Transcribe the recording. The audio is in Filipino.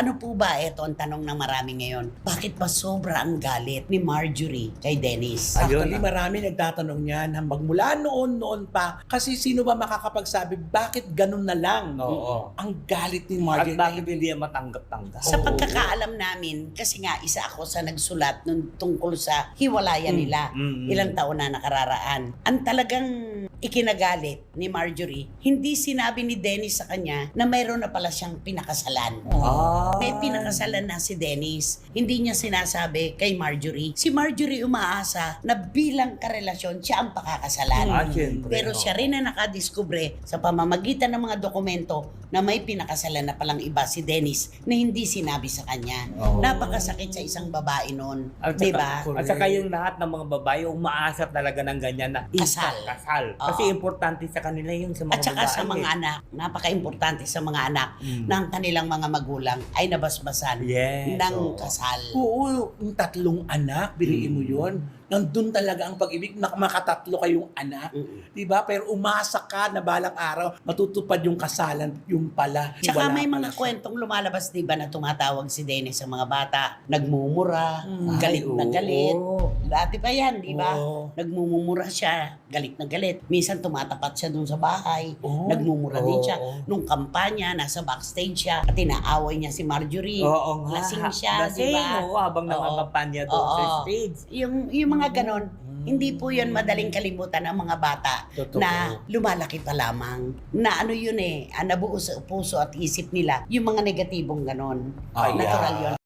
Paano po ba, ito ang tanong ng marami ngayon, bakit ba sobra ang galit ni Marjorie kay Dennis? Actually, marami nagtatanong niyan magmula noon pa. Kasi sino ba makakapagsabi, bakit ganun na lang Oo. ang galit ni At Marjorie? bakit hindi yan matanggap-tanggap? Sa Oo. pagkakaalam namin, kasi nga isa ako sa nagsulat nung tungkol sa hiwalayan nila ilang taon na nakararaan. Ang talagang ikinagalit ni Marjorie, hindi sinabi ni Dennis sa kanya na mayroon na pala siyang pinakasalan. May pinakasalan na si Dennis. Hindi niya sinasabi kay Marjorie. Si Marjorie umaasa na bilang karelasyon siya ang pakakasalan. Siyempre, Pero siya rin na nakadiskubre sa pamamagitan ng mga dokumento na may pinakasalan na palang iba si Dennis na hindi sinabi sa kanya. Napakasakit sa isang babae noon. At Di saka, ba? at saka yung lahat ng mga babae umaasa talaga ng ganyan na Kasal. Kasal. Oo. Kasi importante sa kanila yun sa mga At saka babae. sa mga anak, napaka-importante sa mga anak na ang kanilang mga magulang ay nabasbasan Yes, ng oo. kasal. Oo, yung tatlong anak, biliin mo yun. Nandun talaga ang pag-ibig, makatatlo kayong anak. Diba? Pero umasa ka na balang araw, matutupad yung kasalan, yung pala. Tsaka wala may pala mga siya. kwentong lumalabas, di ba, na tumatawag si Dennis sa mga bata, nagmumura, galit na galit. Dati pa yan, di ba? Oo. Nagmumura siya, galit na galit. Minsan tumatapat siya dun sa bahay, Oo. nagmumura din siya. Oo. Nung kampanya, nasa backstage siya, at inaaway niya si Marjorie. Oo nga. Lasing siya, di Lasing, ba? oo, habang Oo. nangangampanya doon sa Oo. stage. Yung mga ganon, hindi po yun madaling kalimutan ng mga bata Totoo. na lumalaki pa lamang. Na ano yun nabuo sa puso at isip nila, yung mga negatibong ganon. Ay, Natural yun.